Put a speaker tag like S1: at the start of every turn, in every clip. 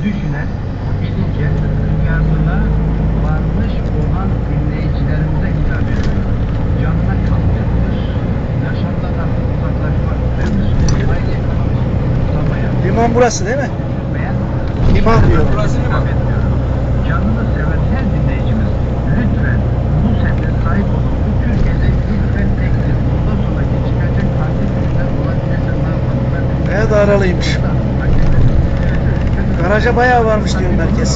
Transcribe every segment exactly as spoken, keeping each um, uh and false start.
S1: düşünen, bilince, duyarlılığa varmış olan dinleyicilerimize hitap ediyor. Canına kalkıyoruz. Yaşamdan uzaklaşmak ve Müslüman aile ekonomisi tutamaya.
S2: Liman burası değil mi?
S1: Beğen,
S2: Liman diyor.
S3: Burası liman.
S1: Canını seven her dinleyicimiz lütfen bu sene sahip olun. Bu Türkiye'de ilk ve tektir. Bundan sonraki çıkacak farklı ürünler olabilirse ne yapalım? Ben
S2: Bayağı da aralıymış. Garaja bayağı varmış diyor merkez.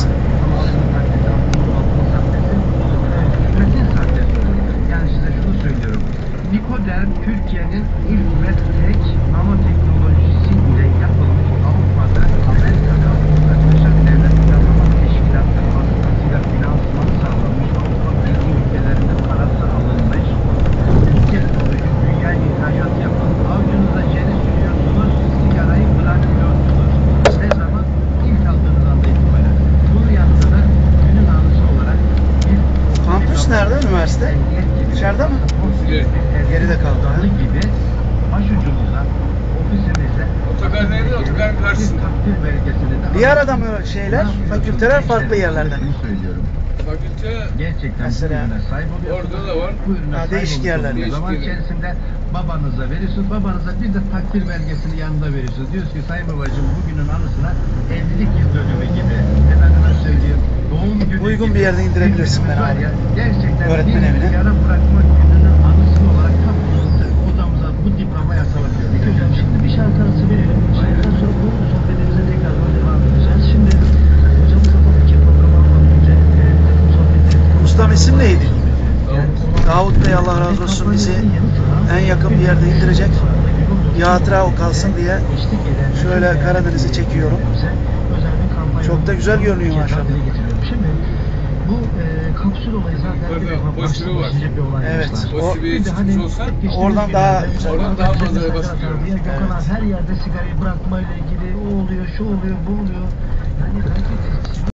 S1: Yani size şunu söylüyorum. Nikoderm Türkiye'nin ilk ve tek nanoteknolojisiyle yapılmış Avrupa'da Amerika'da Birleşik Devletler Planlama Teşkilatı vasıtasıyla finansmanı sağlanmış Avrupa Birliği ülkelerinde parası alınmış ülke teknoloji dünya ihracat yapan avcunuza jeli sürüyorsunuz, sigarayı bırakmıyorsunuz. Ne zaman? İlk aldığınız anda itibaren. Bunu yaptığında günün anısı olarak bir
S2: Kampüs nerede? Üniversite? Dışarıda mı? Geride kaldı, ha?
S1: gibi başucumuza, ofisimize
S3: Otogar nerede? Otogarın karşısında.
S1: takdir belgesini de
S2: Bir arada mı şeyler? Fakülteler farklı yerlerden.
S1: Bunu söylüyorum.
S3: Fakülte
S1: Gerçekten
S2: Mesela
S1: bu ürüne sahip oluyorsunuz.
S3: orada da var.
S1: Bu ürüne
S2: Ha,
S1: sahip
S2: değişik
S1: olduğunuz
S2: yerlerde.
S1: Zaman
S3: Değişik
S1: içerisinde babanıza veriyorsunuz. Babanıza bir de takdir belgesini yanında veriyorsunuz. Diyorsunuz ki Sayın Babacığım bugünün anısına evlilik yıl dönümü gibi. Efendime söyleyeyim. Doğum günü
S2: Uygun
S1: gibi
S2: bir yerde indirebilirsin
S1: bir
S2: beni
S1: var
S2: abi.
S1: ya, gerçekten
S2: Öğretmen
S1: bir
S2: evine.
S1: sigara bırakma gününün anısı olarak kapımızı odamıza bu diploma yasalatıyor. Peki hocam şimdi bir şarkı arası verelim. Şarkıdan sonra bu sohbetimize tekrar devam edeceğiz. Şimdi hocamızla tabii ki programa almadan önce e, takım sohbetlerimizi
S2: Ustam isim neydi?
S1: yani
S2: Davut Bey Allah razı olsun bizi en yakın bir yerde indirecek. Bir hatıra o kalsın diye şöyle Karadeniz'i çekiyorum. Çok da güzel görünüyor maşallah.
S1: Şimdi bu e, kapsül olayı zaten
S3: Orada
S1: bir defa
S3: postürü
S1: başlı
S3: var.
S1: başlıca bir olay.
S2: Evet,
S1: başlar.
S2: o-
S3: O seviyeye
S1: Bir de
S3: çıkmış
S1: hani
S3: olsa
S1: geçtiğimiz
S2: oradan
S1: günlerde
S2: daha güzel.
S3: Oradan daha fazla
S1: Gökhan
S3: basıyor.
S1: abi, Gökhan abi
S2: Evet.
S1: her yerde sigarayı bırakmayla ilgili o oluyor, şu oluyor, bu oluyor. Yani belki